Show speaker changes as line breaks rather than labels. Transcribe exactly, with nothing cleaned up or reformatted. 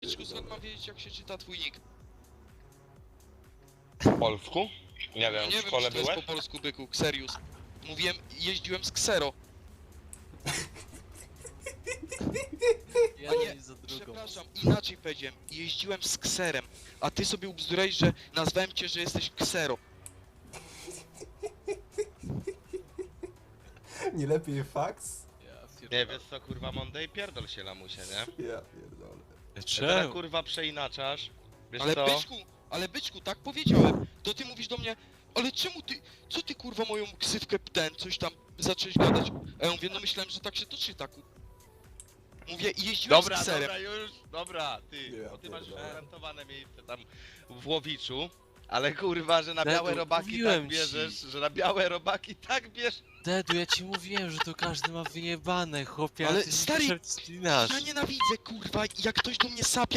Byczku, skąd mam wiedzieć, jak się czyta twój nick?
W polsku? Nie wiem,
Nie
w
wiem,
szkole
czy to jest
byłeś?
po polsku, byku, Xerius. Mówiłem, jeździłem z Xero.
Ja
A nie,
nie za drugą.
Przepraszam, inaczej powiedziałem. Jeździłem z Kserem, a ty sobie ubzdurałeś, że nazwałem cię, że jesteś Ksero.
Nie lepiej fax?
Ja
Nie,
pierdolę.
wiesz co, kurwa, Monday, pierdol się lamusie, nie?
Ja pierdolę.
Teraz
Czemu?
kurwa przeinaczasz. Wiesz
Ale
co?
byczku, ale byczku, tak powiedziałem. To ty mówisz do mnie, ale czemu ty, co ty kurwa moją ksywkę ten, coś tam zacząłeś gadać? A ja mówię, no myślałem, że tak się to czyta, ku... Mówię, i jeździłem
Dobra,
z Kserem.
dobra, już, dobra, ty,
Ja
bo ty masz
pierdolę.
gwarantowane miejsce tam w Łowiczu, ale kurwa, że na
Dedu,
białe robaki
mówiłem
tak
ci.
bierzesz, że na białe robaki tak bierzesz.
Dedu, ja ci mówiłem, że to każdy ma wyjebane, chłopie,
Ale
a ty
stary,
się wspinasz.
Ja nienawidzę, kurwa, jak ktoś do mnie sapia.